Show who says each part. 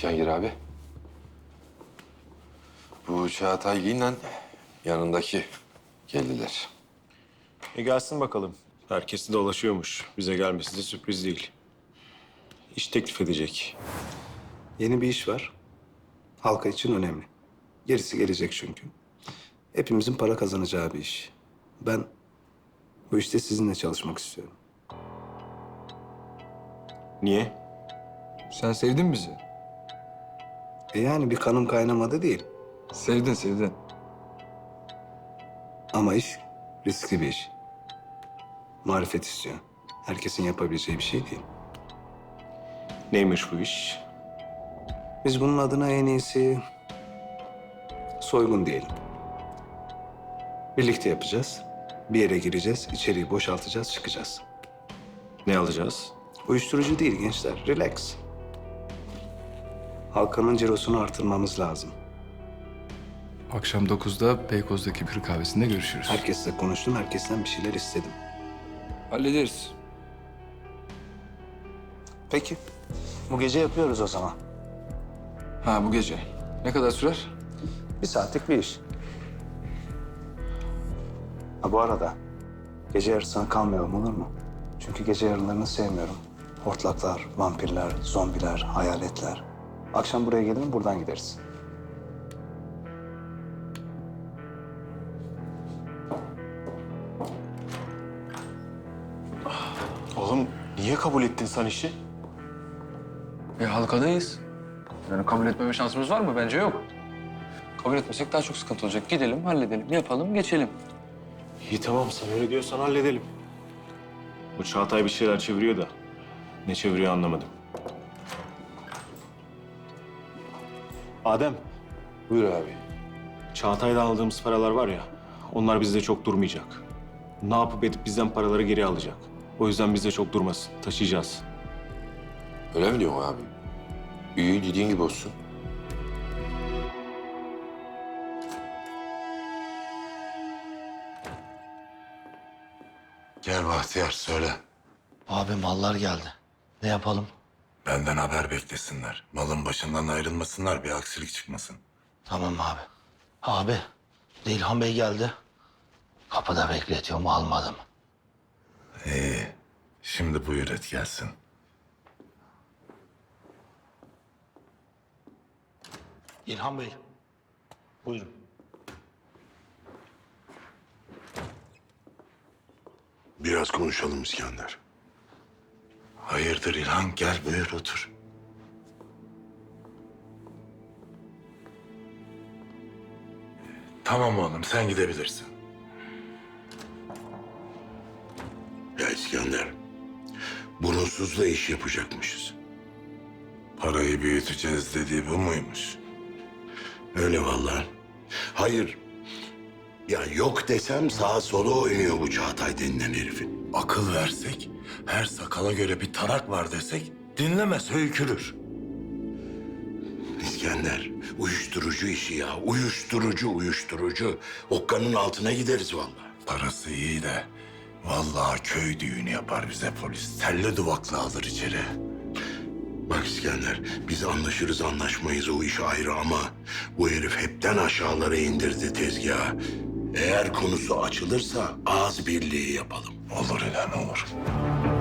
Speaker 1: Cihangir abi. Bu Çağatay'la yanındaki geldiler.
Speaker 2: Gelsin bakalım. Herkesi dolaşıyormuş. Bize gelmesi de sürpriz değil. İş teklif edecek.
Speaker 3: Yeni bir iş var. Halka için önemli. Gerisi gelecek çünkü. Hepimizin para kazanacağı bir iş. Ben bu işte sizinle çalışmak istiyorum.
Speaker 2: Niye?
Speaker 4: Sen sevdin bizi.
Speaker 3: Yani bir kanım kaynamadı değil.
Speaker 4: Sevdin.
Speaker 3: Ama iş riskli bir iş. Marifet istiyor. Herkesin yapabileceği bir şey değil.
Speaker 2: Neymiş bu iş?
Speaker 3: Biz bunun adına en iyisi soygun diyelim. Birlikte yapacağız. Bir yere gireceğiz, içeriği boşaltacağız, çıkacağız.
Speaker 2: Ne alacağız?
Speaker 3: Uyuşturucu değil gençler, relax. Halkanın cirosunu artırmamız lazım.
Speaker 4: Akşam 9'da Beykoz'daki bir kahvesinde görüşürüz.
Speaker 3: Herkesle konuştum, herkesten bir şeyler istedim.
Speaker 4: Hallederiz.
Speaker 3: Peki, bu gece yapıyoruz o zaman.
Speaker 4: Ha bu gece. Ne kadar sürer?
Speaker 3: 1 saatlik bir iş. Ha bu arada, gece yarısına kalmayalım olur mu? Çünkü gece yarılarını sevmiyorum. Hortlaklar, vampirler, zombiler, hayaletler. Akşam buraya gelin, buradan gideriz.
Speaker 2: Oğlum niye kabul ettin sen işi?
Speaker 5: Halkadayız. Yani kabul etmeme şansımız var mı? Bence yok. Kabul etmesek daha çok sıkıntı olacak. Gidelim, halledelim, yapalım, geçelim.
Speaker 2: İyi tamam sen öyle diyorsan halledelim. Bu Çağatay bir şeyler çeviriyor da ne çeviriyor anlamadım. Adem,
Speaker 1: Buyur abi.
Speaker 2: Çağatay'dan aldığımız paralar var ya, onlar bizde çok durmayacak. Ne yapıp edip bizden paraları geri alacak. O yüzden bizde çok durmasın, taşıyacağız.
Speaker 1: Öyle mi diyorsun abi? İyi dediğin gibi olsun.
Speaker 6: Gel Bahtiyar söyle.
Speaker 7: Abi mallar geldi. Ne yapalım?
Speaker 6: Benden haber beklesinler. Malın başından ayrılmasınlar, bir aksilik çıkmasın.
Speaker 7: Tamam abi. Abi, İlhan Bey geldi. Kapıda bekletiyorum, almadım.
Speaker 6: İyi. Şimdi buyur et gelsin.
Speaker 7: İlhan Bey, buyurun.
Speaker 6: Biraz konuşalım İskender. Hayırdır İlhan? Gel buyur otur. Tamam oğlum sen gidebilirsin.
Speaker 8: Ya İskender, burunsuzla iş yapacakmışız.
Speaker 6: Parayı büyüteceğiz dediği bu muymuş?
Speaker 8: Öyle vallahi. Hayır, ya yok desem sağa sola oynuyor bu Çağatay denilen herifin.
Speaker 6: Akıl versek, her sakala göre bir tarak var desek dinlemez höykürür.
Speaker 8: İskender, uyuşturucu işi ya. Uyuşturucu. Okkanın altına gideriz vallahi.
Speaker 6: Parası iyi de vallahi köy düğünü yapar bize polis. Telli duvaklı alır içeri.
Speaker 8: Bak İskender, biz anlaşırız anlaşmayız o iş ayrı ama bu herif hepten aşağılara indirdi tezgahı. Eğer konusu açılırsa ağız birliği yapalım.
Speaker 6: Olur İlhan olur.